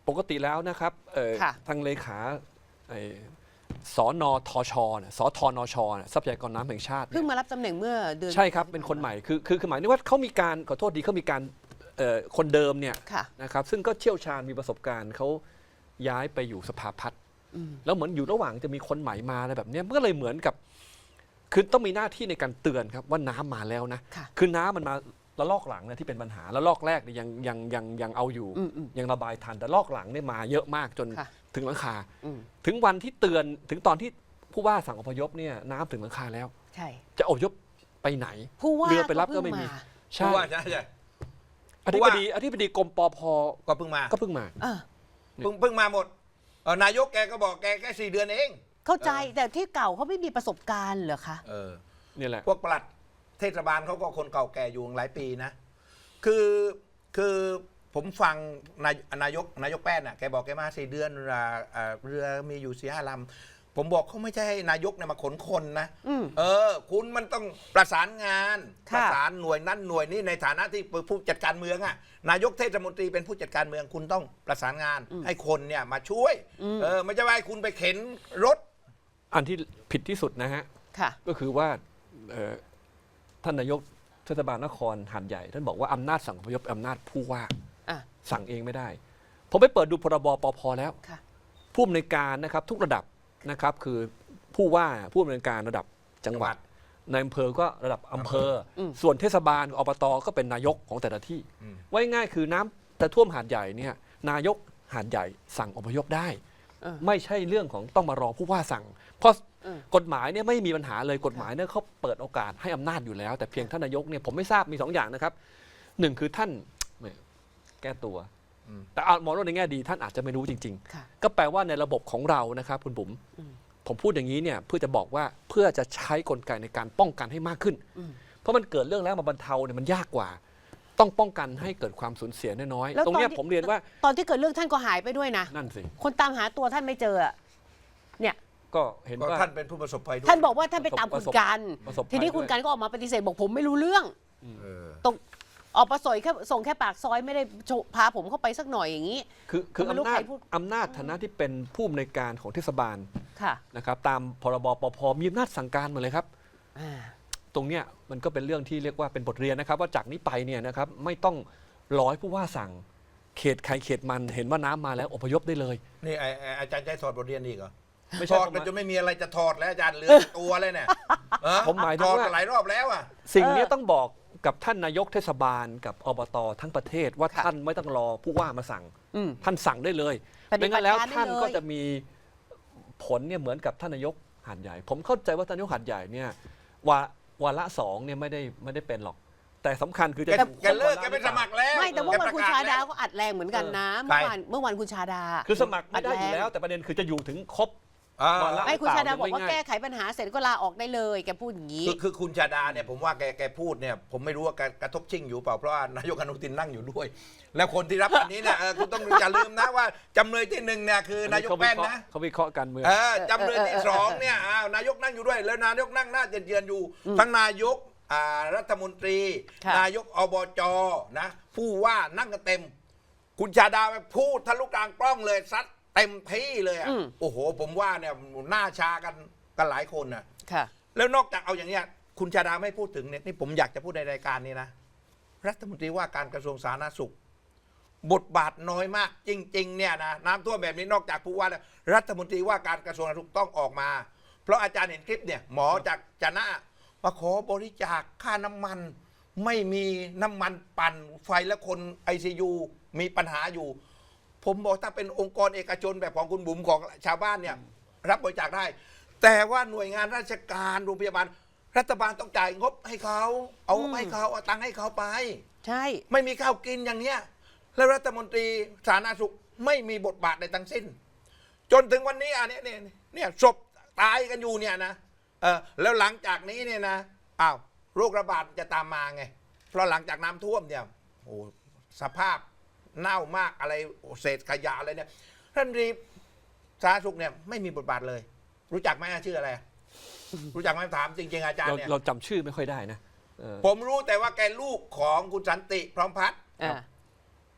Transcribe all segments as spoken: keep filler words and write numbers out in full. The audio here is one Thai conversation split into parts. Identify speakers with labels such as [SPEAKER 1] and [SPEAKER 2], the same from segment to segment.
[SPEAKER 1] ปกติแล้วนะครับทางเลขาสนทชสทนชทรัพยากรน้ำแห่งชาติ
[SPEAKER 2] เพิ่งมารับตำแหน่งเมื่อเดือน
[SPEAKER 1] ใช่ครับเป็นคนใหม่คือคือหมายถึงว่าเขามีการขอโทษดีเขามีการคนเดิมเนี่ยนะครับซึ่งก็เชี่ยวชาญมีประสบการณ์เขาย้ายไปอยู่สภาพัฒน์แล้วเหมือนอยู่ระหว่างจะมีคนใหม่มาอะไรแบบนี้มันก็เลยเหมือนกับคือต้องมีหน้าที่ในการเตือนครับว่าน้ำมาแล้วนะคือน้ำมันมาละลอกหลังเนี่ยที่เป็นปัญหาละลอกแรกเนี่ยยังยังยังยังเอาอยู่ยังระบายทันแต่ลอกหลังเนี่ยมาเยอะมากจนถึงหลังคาถึงวันที่เตือนถึงตอนที่ผู้ว่าสั่งอพยพเนี่ยน้ำถึงหลังคาแล้ว
[SPEAKER 2] ใช่
[SPEAKER 1] จะอพยพไปไหนเรือไปรับก็ไม่มี
[SPEAKER 3] ใช่ใช่ใช่
[SPEAKER 1] อธิบดีอธิบดีกรมปภ
[SPEAKER 3] ก็เพิ่งมา
[SPEAKER 1] ก็เพิ่งมา
[SPEAKER 3] เพิ่งเพิ่งมาหมดนายกแกก็บอกแกแค่สี่เดือนเอง
[SPEAKER 2] เข้าใจแต่ที่เก่าเขาไม่มีประสบการณ์เหรอคะ
[SPEAKER 3] เออ
[SPEAKER 1] นี่แหละ
[SPEAKER 3] พวกปลัดเทศบาลเขาก็คนเก่าแก่อยู่หลายปีนะคือคือผมฟังนายนายกนายกแป้นน่ะแกบอกแกมาสี่เดือนเรือมีอยู่สี่ห้าลำผมบอกเขาไม่ใช่ให้นายกเนี่ยมาขนคนนะเออคุณมันต้องประสานงานประสานหน่วยนั้นหน่วยนี้ในฐานะที่ผู้จัดการเมืองอ่ะนายกเทศมนตรีเป็นผู้จัดการเมืองคุณต้องประสานงานให้คนเนี่ยมาช่วยเออไม่ใช่ว่าให้คุณไปเข็นรถ
[SPEAKER 1] อันที่ผิดที่สุดนะฮะก็คือว่าท่านนายกเทศบาลนครหาดใหญ่ท่านบอกว่าอำนาจสั่งอพยพอำนาจผู้ว่าสั่งเองไม่ได้ผมไปเปิดดูพรบปภแล้วผู้อำนวยการนะครับทุกระดับนะครับคือผู้ว่าผู้อำนวยการระดับจังหวัดในอำเภอก็ระดับอำเภอส่วนเทศบาลอบตก็เป็นนายกของแต่ละที่ไว้ง่ายคือน้ำแต่ท่วมหาดใหญ่เนี่ยนายกหาดใหญ่สั่งอพยพได้ไม่ใช่เรื่องของต้องมารอผู้ว่าสั่งเพราะกฎหมายเนี่ยไม่มีปัญหาเลยกฎหมายเนี่ยเขาเปิดโอกาสให้อำนาจอยู่แล้วแต่เพียงท่านนายกเนี่ยผมไม่ทราบมีสองอย่างนะครับหนึ่งคือท่านแก้ตัวแต่มองในแง่ดีท่านอาจจะไม่รู้จริงๆก็แปลว่าในระบบของเรานะครับคุณบุ๋มผมพูดอย่างนี้เนี่ยเพื่อจะบอกว่าเพื่อจะใช้กลไกในการป้องกันให้มากขึ้นเพราะมันเกิดเรื่องแล้วมาบรรเทาเนี่ยมันยากกว่าต้องป้องกันให้เกิดความสูญเสียน้อยๆตรงนี้ผมเรียนว่า
[SPEAKER 2] ตอนที่เกิดเรื่องท่านก็หายไปด้วยนะ
[SPEAKER 1] นั่นสิ
[SPEAKER 2] คนตามหาตัวท่านไม่เจอเนี่ย
[SPEAKER 1] ก็เห็นว่า
[SPEAKER 3] ท่านเป็นผู้ประสบภัยด้วย
[SPEAKER 2] ท่านบอกว่าท่านไปตามคุณกันทีนี้คุณกันก็ออกมาปฏิเสธบอกผมไม่รู้เรื่องตรงออกมาสอยแค่ส่งแค่ปากซอยไม่ได้พาผมเข้าไปสักหน่อยอย่างนี้
[SPEAKER 1] คือคืออำนาจอำนาจฐานะที่เป็นผู้อำนวยการของเทศบาลนะครับตามพรบปภมีอำนาจสั่งการหมดเลยครับตรงเนี้ยมันก็เป็นเรื่องที่เรียกว่าเป็นบทเรียนนะครับว่าจากนี้ไปเนี่ยนะครับไม่ต้องรอให้ผู้ว่าสั่งเขตใครเขตมันเห็นว่าน้ำมาแล้วอพยพได้เลย
[SPEAKER 3] นี่อาจารย์ใจถอดบทเรียนอีกเหรอไม่ถอดมันจะไม่มีอะไรจะถอดแล้วอาจารย์เหลือตัวเลยเนี่ย
[SPEAKER 1] ผมหมายถึงว่า
[SPEAKER 3] หลายรอบแล้วอ่ะ
[SPEAKER 1] สิ่งนี้ต้องบอกกับท่านนายกเทศบาลกับอบตทั้งประเทศว่าท่านไม่ต้องรอผู้ว่ามาสั่งท่านสั่งได้เลยไม่งั้นแล้วท่านก็จะมีผลเนี่ยเหมือนกับท่านนายกหาดใหญ่ผมเข้าใจว่าท่านนายกหาดใหญ่เนี่ยวาวาระสองเนี่ยไม่ได้ไม่ได้เป็นหรอกแต่สำคัญคือจะ
[SPEAKER 3] แกเลิกแกไปสมัครแล้ว
[SPEAKER 2] ไม่แต่ว่าวันคุณชาดาก็อัดแรงเหมือนกันนะเมื่อวานเมื่อวันคุณชาดา
[SPEAKER 1] คือสมัครไม่ได้อยู่แล้วแต่ประเด็นคือจะอยู่ถึงครบ
[SPEAKER 2] ไม่คุณชาดาบอกว่าแก้ไขปัญหาเสร็จก็ลาออกได้เลยแกพูดอย่างนี้
[SPEAKER 3] คือคุณชาดาเนี่ยผมว่าแกแกพูดเนี่ยผมไม่รู้ว่ากระทบชิ่งอยู่เปล่าเพราะว่านายกอนุทินนั่งอยู่ด้วยแล้วคนที่รับอันนี้เนี่ยคุณต้องอย่าลืมนะว่าจำเลยที่หนึ่งเนี่ยคือนายกแป้นนะ
[SPEAKER 1] เขาวิเคราะห์การเมือง
[SPEAKER 3] จำเลยที่สองเนี่ยนายกนั่งอยู่ด้วยแล้วนายกนั่งหน้าเยือนอยู่ทั้งนายกรัฐมนตรีนายกอบจนะผู้ว่านั่งกันเต็มคุณชาดาพูดทะลุกลางกล้องเลยซัดเต็มที่เลยอ่ะโอ้โหผมว่าเนี่ยหน้าชากันกันหลายคนน่ะแล้วนอกจากเอาอย่างเนี้ยคุณชาดาไม่พูดถึงเนี่ยนี่ผมอยากจะพูดในรายการนี้นะรัฐมนตรีว่าการกระทรวงสาธารณสุขบทบาทน้อยมากจริงๆเนี่ยนะน้ำท่วมแบบนี้นอกจากผู้ว่ารัฐมนตรีว่าการกระทรวงสาธารณสุขต้องออกมาเพราะอาจารย์เห็นคลิปเนี่ยหมอจากจะหน้ามาขอบริจาคค่าน้ำมันไม่มีน้ำมันปั่นไฟและคน ไอ ซี ยู มีปัญหาอยู่ผมบอกถ้าเป็นองค์กรเอกชนแบบของคุณบุ๋มของชาวบ้านเนี่ยรับบริจาคได้แต่ว่าหน่วยงานราชการโรงพยาบาลรัฐบาลต้องจ่ายงบให้เขาเอาให้เขาเอาตังค์ให้เขาไป
[SPEAKER 2] ใช่
[SPEAKER 3] ไม่มีข้าวกินอย่างเนี้ยแล้วรัฐมนตรีสาธารณสุขไม่มีบทบาทใดทั้งสิ้นจนถึงวันนี้อ่ะเนี่ยเนี่ยเนี่ยศพตายกันอยู่เนี่ยนะเออแล้วหลังจากนี้เนี่ยนะอ้าวโรคระบาดจะตามมาไงเพราะหลังจากน้ำท่วมเนี่ยโอ้สภาพเน่ามากอะไรเศษขยะอะไรเนี่ยท่านรีสาธารณสุขเนี่ยไม่มีบทบาทเลยรู้จักไหมชื่ออะไรรู้จักไหมถามจริงๆอาจารย์เนี่ย
[SPEAKER 1] เราจำชื่อไม่ค่อยได้นะ
[SPEAKER 3] ผมรู้แต่ว่าแกลูกของคุณสันติพร้อมพัฒน์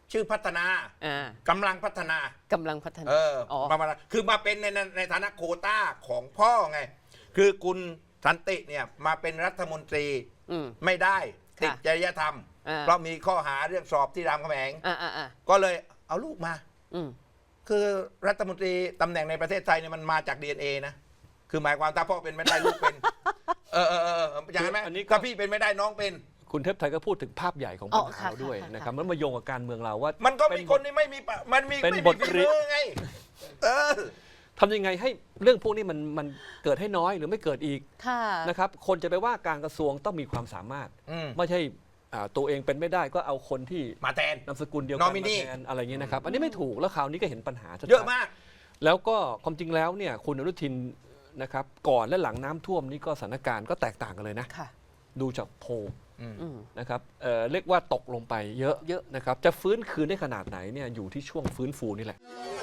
[SPEAKER 3] ชื่อพัฒนา
[SPEAKER 2] อ่า
[SPEAKER 3] กำลังพัฒนาก
[SPEAKER 2] ำลังพัฒนา
[SPEAKER 3] เอออ
[SPEAKER 2] อ
[SPEAKER 3] มามาคือมาเป็นในในในฐานะโควต้าของพ่อไง คือคุณสันติเนี่ยมาเป็นรัฐมนตรี
[SPEAKER 2] อืม
[SPEAKER 3] ไม่ได้ติด
[SPEAKER 2] ค่ะ
[SPEAKER 3] จริยธรรม
[SPEAKER 2] อ่า
[SPEAKER 3] เพราะมีข้อหาเรื่องสอบที่รามคำแหง
[SPEAKER 2] อ่าอ่าอ่า
[SPEAKER 3] ก็เลยเอาลูกมา
[SPEAKER 2] อืม
[SPEAKER 3] คือรัฐมนตรีตำแหน่งในประเทศไทยเนี่ยมันมาจาก ดี เอ็น เอ นะ คือหมายความถ้าพ่อเป็นไม่ได้ลูกเป็น เออเออเอออย่างนั้นไหม
[SPEAKER 1] อันนี้ก็
[SPEAKER 3] ถ้าพี่เป็นไม่ได้น้องเป็น
[SPEAKER 1] คุณเทพไทยก็พูดถึงภาพใหญ่ของ
[SPEAKER 2] อ๋
[SPEAKER 1] ปั
[SPEAKER 2] อ
[SPEAKER 1] ญหา
[SPEAKER 2] ค่ะ
[SPEAKER 1] เราด้วย
[SPEAKER 2] ค่ะ
[SPEAKER 1] นะครับ
[SPEAKER 2] ค่ะ
[SPEAKER 1] มันมาโยงกับการเมืองเราว่า
[SPEAKER 3] มันก็
[SPEAKER 1] เป็
[SPEAKER 3] มี
[SPEAKER 1] น
[SPEAKER 3] คนที่ไม่มีปะมันมี
[SPEAKER 1] เป็น
[SPEAKER 3] ไม่
[SPEAKER 1] บ
[SPEAKER 3] มี
[SPEAKER 1] ท
[SPEAKER 3] ฝี
[SPEAKER 1] เรี
[SPEAKER 3] มื
[SPEAKER 1] ยน
[SPEAKER 3] อไง เออ
[SPEAKER 1] ทำยังไงให้เรื่องพวกนี้มันมันเกิดให้น้อยหรือไม่เกิดอีก
[SPEAKER 2] ค่ะ
[SPEAKER 1] นะครับคนจะไปว่าการกระทรวงต้องมีความสามารถ
[SPEAKER 3] อืม
[SPEAKER 1] ไม่ใช่อ่าตัวเองเป็นไม่ได้ก็เอาคนที่
[SPEAKER 3] มาแทน
[SPEAKER 1] นามสกุลเดียวกัน
[SPEAKER 3] Nominee
[SPEAKER 1] มาแทนอะไรเงี้ยนะครับ อันนี้ไม่ถูกแล้วคราวนี้ก็เห็นปัญหาชัดๆ
[SPEAKER 3] เยอะมาก
[SPEAKER 1] แล้วก็ความจริงแล้วเนี่ยคุณอนุทินนะครับก่อนและหลังน้ำท่วมนี่ก็สถานการณ์ก็แตกต่างกันเลยนะ
[SPEAKER 2] ค่ะ
[SPEAKER 1] ดูจากโพล
[SPEAKER 2] อืม
[SPEAKER 1] นะครับเอ่อเรียกว่าตกลงไปเยอะ
[SPEAKER 2] เยอะ
[SPEAKER 1] นะครับจะฟื้นคืนได้ขนาดไหนเนี่ยอยู่ที่ช่วงฟื้นฟูนี่แหละ